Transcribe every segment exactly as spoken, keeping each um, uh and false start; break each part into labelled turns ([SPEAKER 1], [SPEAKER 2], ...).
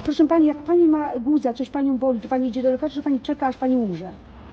[SPEAKER 1] Proszę pani, jak pani ma guza, coś panią boli, to pani idzie do lekarza, czy pani czeka, aż pani umrze?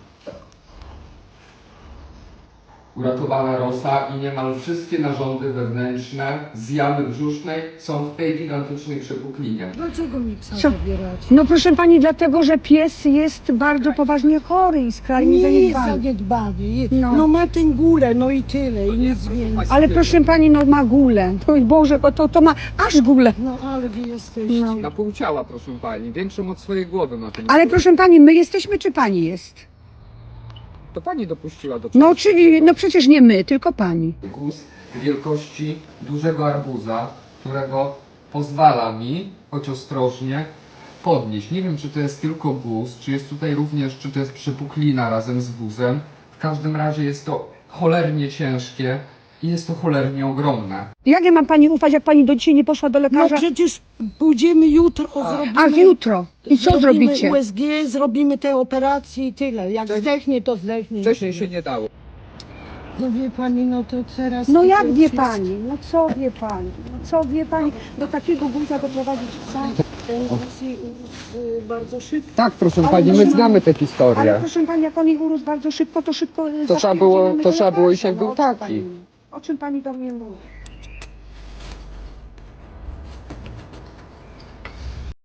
[SPEAKER 2] Uratowana rosa i niemal wszystkie narządy wewnętrzne z jamy brzusznej są w tej gigantycznej przepuklinie.
[SPEAKER 3] Dlaczego mi psa
[SPEAKER 1] Co?
[SPEAKER 3] zabieracie?
[SPEAKER 1] No proszę pani, dlatego, że pies jest bardzo poważnie chory i skrajnie
[SPEAKER 3] Nie jest
[SPEAKER 1] zaniedbany.
[SPEAKER 3] zaniedbany. Jest.
[SPEAKER 1] No.
[SPEAKER 3] No. ma tę górę, no i tyle, i nic więcej.
[SPEAKER 1] Ale proszę pani, no ma gulę. To, Boże, to, to ma aż gulę.
[SPEAKER 3] No ale wy jesteście.
[SPEAKER 1] No.
[SPEAKER 2] Na pół ciała, proszę pani, większą od swojej głowy na tym.
[SPEAKER 1] Ale proszę pani, my jesteśmy, czy pani jest?
[SPEAKER 2] To pani dopuściła do
[SPEAKER 1] No czyli, no przecież nie my, tylko pani.
[SPEAKER 2] guz wielkości dużego arbuza, którego pozwala mi, choć ostrożnie, podnieść. Nie wiem, czy to jest tylko guz, czy jest tutaj również, czy to jest przepuklina razem z guzem. W każdym razie jest to cholernie ciężkie i jest to cholernie ogromne.
[SPEAKER 1] Jak ja mam pani ufać, jak pani do dzisiaj nie poszła do
[SPEAKER 3] No
[SPEAKER 1] lekarza?
[SPEAKER 3] przecież pójdziemy jutro, zrobimy...
[SPEAKER 1] A jutro? I co
[SPEAKER 3] zrobimy
[SPEAKER 1] zrobicie?
[SPEAKER 3] U S G, zrobimy te operacje i tyle. Jak zdechnie, to zdechnie.
[SPEAKER 2] Wcześniej się nie dało.
[SPEAKER 3] No wie pani, no to teraz...
[SPEAKER 1] No
[SPEAKER 3] to
[SPEAKER 1] jak
[SPEAKER 3] już
[SPEAKER 1] wie
[SPEAKER 3] jest-
[SPEAKER 1] pani? No co wie pani? No co wie pani? Do takiego guza doprowadzić psa?
[SPEAKER 3] Ten urósł i urósł, y, bardzo szybko.
[SPEAKER 2] Tak, proszę
[SPEAKER 1] Ale
[SPEAKER 2] pani,
[SPEAKER 1] proszę
[SPEAKER 2] my
[SPEAKER 1] pani-
[SPEAKER 2] znamy tę
[SPEAKER 1] Ale
[SPEAKER 2] historię.
[SPEAKER 1] proszę pani, jak on jej urósł bardzo szybko, to szybko...
[SPEAKER 2] To trzeba było-
[SPEAKER 1] zaspierdzielimy
[SPEAKER 2] to
[SPEAKER 1] do
[SPEAKER 2] trzeba było iść, jak
[SPEAKER 1] lekarza.
[SPEAKER 2] był
[SPEAKER 1] No, o czym
[SPEAKER 2] taki.
[SPEAKER 1] pani- O czym pani do mnie mówi?